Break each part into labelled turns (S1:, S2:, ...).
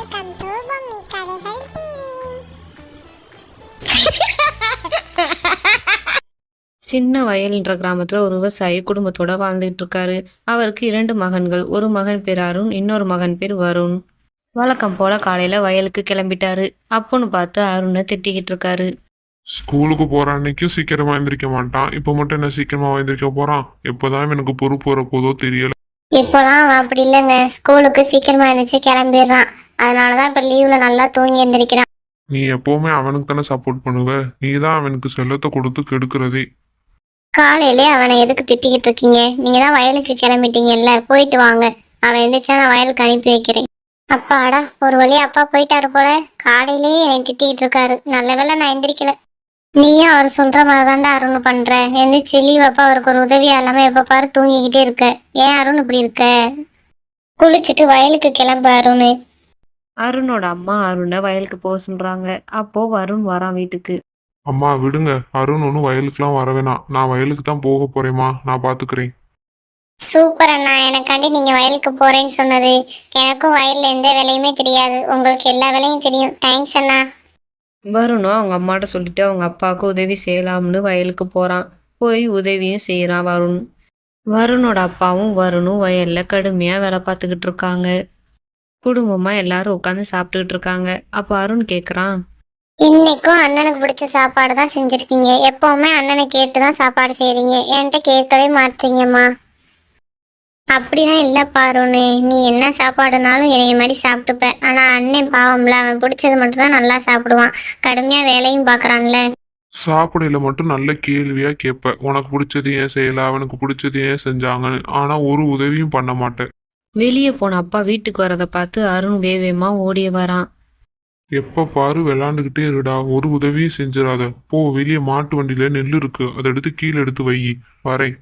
S1: Welcome to Bommi கதைகள் TV.
S2: சின்ன வயல்ன்ற கிராமத்துல ஒரு விவசாயி குடும்பத்தோட வாழ்ந்துட்டு இருக்காரு. அவருக்கு 2 மகன்கள். ஒரு மகன் பேர் அருண், இன்னொரு மகன் பேர் வருண். வழக்கம் போல காலையில வயலுக்கு கிளம்பிட்டாரு. அப்போன்னு பார்த்து அருணை திட்டிக்கிட்டு இருக்காரு.
S3: ஸ்கூலுக்கு போற அன்னைக்கும் சீக்கிரமா எந்திரிக்க மாட்டான். இப்போ மட்டும் என்ன சீக்கிரமா எந்திரிக்க போறான்? எப்போதான் எனக்கு பொறுப்பு வர போதோ தெரியல.
S1: இப்போலாம் அவன் அப்படி இல்லைங்க, ஸ்கூலுக்கு சீக்கிரமா எழுந்திரிச்சு கிளம்பிடுறான். அதனாலதான் இப்ப லீவ்ல நல்லா தூங்கி எந்திரிக்கிறான்.
S3: நீ எப்பவுமே அவனுக்கு தானே சப்போர்ட் பண்ணுவ. நீ தான் அவனுக்கு செல்லத்தை கொடுத்து கெடுக்கிறதே.
S1: காலையிலே அவனை எதுக்கு திட்டிக்கிட்டு இருக்கீங்க? நீங்க தான் வயலுக்கு கிளம்பிட்டீங்கல்ல, போயிட்டு வாங்க. அவன் எந்திரிச்சா நான் வயலுக்கு அனுப்பி வைக்கிறேன். அப்பாடா, ஒரு வழியா அப்பா போயிட்டாரு போல. காலையிலேயே என்னை திட்டிக்கிட்டு இருக்காரு. நல்ல வேளை நான் எந்திரிக்கல. நீயும் அவர் சொல்ற மாதிரிதான்டா அருண் பண்ற. எந்திரிச்சு லீவ் அப்பா அவருக்கு ஒரு உதவியா இல்லாம எப்ப பாரு தூங்கிக்கிட்டே இருக்க. ஏன் அருண் இப்படி இருக்க? குளிச்சுட்டு வயலுக்கு கிளம்பு அருண்.
S2: அருணோட அம்மா அருணை வயலுக்கு போக சொல்றாங்க. அப்போ வருண் வரான் வீட்டுக்கு.
S3: அம்மா விடுங்க, அருண் ஒன்றும் வயலுக்குலாம் வர வேணாம். நான் வயலுக்கு தான் போக போறேம்மா, நான் பாத்துக்கிறேன்.
S1: சூப்பர் அண்ணா, எனக்காண்டி நீங்க வயலுக்கு போறேன்னு சொன்னது. எனக்கும் வயல்ல எந்த வேலையுமே தெரியாது, உங்களுக்கு எல்லா வேலையும் தெரியும். தேங்க்ஸ் அண்ணா.
S2: வருணும் அவங்க அம்மாட்ட சொல்லிட்டு அவங்க அப்பாவுக்கு உதவி செய்யலாம்னு வயலுக்கு போறான். போய் உதவியும் செய்யறான் வருண். வருணோட அப்பாவும் வருணும் வயல்ல கடுமையா வேலை பார்த்துக்கிட்டு இருக்காங்க. குடும்பமா எல்லாரும் உட்காந்து சாப்பிட்டுக்கிட்டு இருக்காங்க. அப்போ அருண் கேக்குறான்.
S1: இன்னைக்கும் அண்ணனுக்கு பிடிச்ச சாப்பாடு தான் செஞ்சிருக்கீங்க. எப்பவுமே அண்ணனை கேட்டுதான் சாப்பாடு செய்றீங்க, என்கிட்ட கேட்கவே மாட்டீங்கம்மா. அப்படிலாம் இல்லப்பா அருண், நீ என்ன சாப்பாடுனாலும் என்னைய மாதிரி சாப்பிட்டுப்ப. ஆனா அண்ணன் பாவம்ல, அவன் பிடிச்சது மட்டும் தான் நல்லா சாப்பிடுவான். கடுமையா வேலையும் பாக்குறான்ல.
S3: சாப்பிடையில மட்டும் நல்ல கேள்வியா கேட்ப. உனக்கு பிடிச்சது ஏன் செய்யல, அவனுக்கு பிடிச்சது ஏன் செஞ்சாங்கன்னு. ஆனா ஒரு உதவியும் பண்ண மாட்டேன்.
S2: வெளியே போன அப்பா வீட்டுக்கு வரதை பார்த்து அருண் வேகமா ஓடிய வரான்.
S3: எப்ப பாரு விளாண்டுகிட்டே இருடா, ஒரு உதவியும் செஞ்சிடாத. போ, வெளியே மாட்டு வண்டியில நெல் இருக்கு, அதை எடுத்து கீழே எடுத்து வை. வரேன்.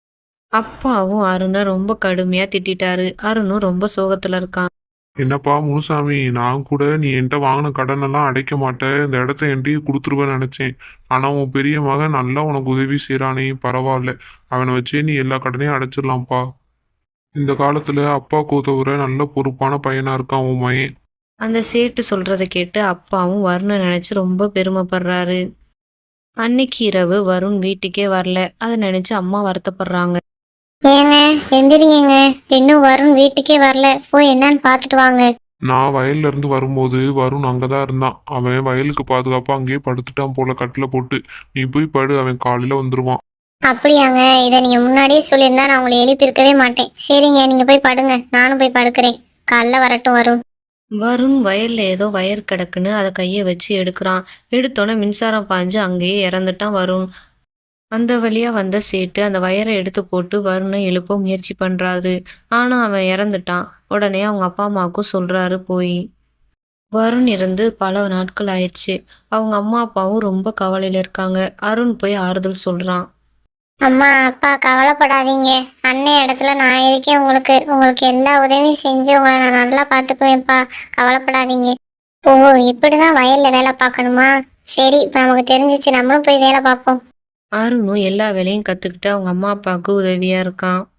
S2: அப்பாவும் அருணை ரொம்ப கடுமையா திட்டிட்டாரு. அருணும் ரொம்ப சோகத்துல இருக்கான்.
S3: என்னப்பா முனுசாமி, நான் கூட நீ என்கிட்ட வாங்கின கடனெல்லாம் அடைக்க மாட்டேன், இந்த இடத்த என்கிட்டயே கொடுத்துருவேன்னு நினைச்சேன். ஆனா உன் பெரிய மகன் நல்லா உனக்கு உதவி செய்யறானே, பரவாயில்ல. அவனை வச்சே நீ எல்லா கடனையும் அடைச்சிடலாம்ப்பா. இந்த காலத்துல அப்பாவுக்கு உதவுற நல்ல பொறுப்பான பையனா இருக்கான் உன் மகன்.
S2: அந்த சேட்டு சொல்றதை கேட்டு அப்பாவும் வருணை நினைச்சு ரொம்ப பெருமைப்படுறாரு. அன்னைக்கு இரவு வருண் வீட்டுக்கே வரல. அதை நினைச்சு அம்மா வருத்தப்படுறாங்க.
S1: ஏங்க எந்திரிங்க, இன்னும் வருண் வீட்டுக்கே வரல. போய் என்னன்னு பாத்துட்டு வாங்க.
S3: நான் வயல்ல இருந்து வரும்போது வருண் அங்கதான் இருந்தான். அவன் வயலுக்கு பாதுகாப்பா அங்கேயே படுத்துட்டான் போல, கட்டில போட்டு. நீ போய் படு, அவன் காலையில வந்துருவான்.
S1: அப்படியாங்க, இதை நீங்க முன்னாடியே சொல்லியிருந்தா நான் உங்களை எழுப்பியிருக்கவே மாட்டேன். சரிங்க, நீங்க போய் படுங்க, நானும் போய் படுக்கிறேன். காலைல வரட்டும் வருண்.
S2: வருண் வயல்ல ஏதோ வயர் கிடக்குன்னு அதை கையை வச்சு எடுக்கிறான். எடுத்தோன்னே மின்சாரம் பாஞ்சு அங்கேயே இறந்துட்டான் வருண். அந்த வழியா வந்த சேட்டு அந்த வயரை எடுத்து போட்டு வருணை எழுப்ப முயற்சி பண்றாரு. ஆனா அவன் இறந்துட்டான். உடனே அவங்க அப்பா அம்மாவுக்கும் சொல்றாரு போய். வருண் இறந்து பல நாட்கள் ஆயிடுச்சு. அவங்க அம்மா அப்பாவும் ரொம்ப கவலையில இருக்காங்க. அருண் போய் ஆறுதல் சொல்றான்.
S1: அம்மா அப்பா கவலைப்படாதீங்க, அண்ணன் இடத்துல நான் இருக்கேன். உங்களுக்கு உங்களுக்கு எல்லா உதவியும் செஞ்சு உங்களை நான் நல்லா பார்த்துக்குவேன்ப்பா. கவலைப்படாதீங்க. ஓ, இப்படிதான் வயல்ல வேலை பார்க்கணுமா? சரி, இப்போ நமக்கு தெரிஞ்சிச்சு, நம்மளும் போய் வேலை பார்ப்போம்.
S2: அருணும் எல்லா வேலையும் கத்துக்கிட்டு அவங்க அம்மா அப்பாவுக்கு உதவியா இருக்கான்.